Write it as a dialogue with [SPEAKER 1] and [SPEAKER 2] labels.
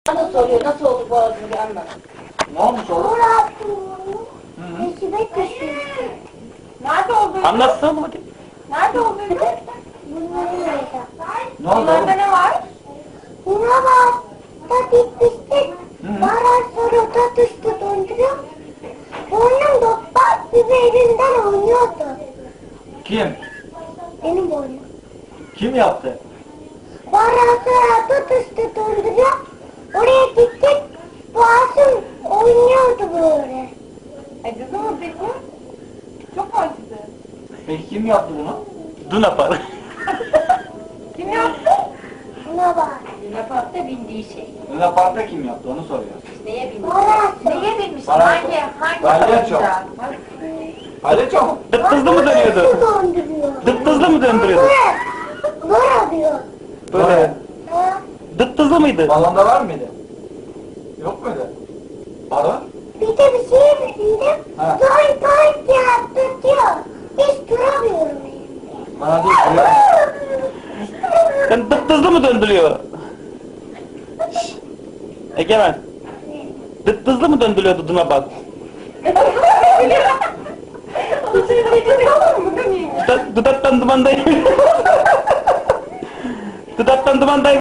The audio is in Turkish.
[SPEAKER 1] Bana soruyor nasıl oldu boğazını bir anlat.
[SPEAKER 2] Ne olmuş oğlum?
[SPEAKER 3] Eşime düşmüştü.
[SPEAKER 1] Nerede olduğunu?
[SPEAKER 4] Anlatsana mı hadi.
[SPEAKER 1] Nerede olduğunu?
[SPEAKER 3] Bunların orada.
[SPEAKER 2] Ne oldu
[SPEAKER 1] Bunlarda
[SPEAKER 2] oğlum?
[SPEAKER 1] ne var?
[SPEAKER 3] Buna var. Da bitmiştik. Baran sonra da düştü donduruyor. Boynum da bak gibi elimden oynuyordu.
[SPEAKER 2] Kim?
[SPEAKER 3] Benim boynum.
[SPEAKER 2] Kim yaptı?
[SPEAKER 3] Baran sonra da düştü donduruyor. Oraya gittik. Boğazım oynuyordu böyle.
[SPEAKER 1] Acıdı mı peki? Çok mu acıdı?
[SPEAKER 2] Peki kim yaptı bunu?
[SPEAKER 4] Duna Park.
[SPEAKER 1] Kim yaptı?
[SPEAKER 3] Buna bak.
[SPEAKER 1] Luna Park'ta bindiği şey.
[SPEAKER 2] Luna Park'ta kim yaptı onu soruyoruz.
[SPEAKER 1] Neye binmiş?
[SPEAKER 3] Baran.
[SPEAKER 1] Neye binmiş?
[SPEAKER 2] Bana-
[SPEAKER 1] Hangi
[SPEAKER 2] Palyaço.
[SPEAKER 1] oyuncağı?
[SPEAKER 2] Palyaço mu?
[SPEAKER 4] Dıptızlı mı dönüyordu?
[SPEAKER 3] Donduruyor.
[SPEAKER 4] Dıptızlı mı döndürüyordu?
[SPEAKER 3] Böyle diyor.
[SPEAKER 4] Böyle.
[SPEAKER 3] Ha?
[SPEAKER 4] Dıptızlı mıydı?
[SPEAKER 2] Balonda var mıydı? Yok muydu? Balon?
[SPEAKER 3] Bir de bir şey bildim.
[SPEAKER 2] Ha.
[SPEAKER 3] Doy doy yaptı diyor. Hiç duramıyorum.
[SPEAKER 2] Bana değil.
[SPEAKER 4] Sen dıptızlı mı döndürüyor? Egemen. Dıptızlı mı döndürüyordu Duna Park?
[SPEAKER 1] Onu söyleyince olur mu? Değil mi?
[SPEAKER 4] Dudaktan dumandayım. Dudaktan dumandayım.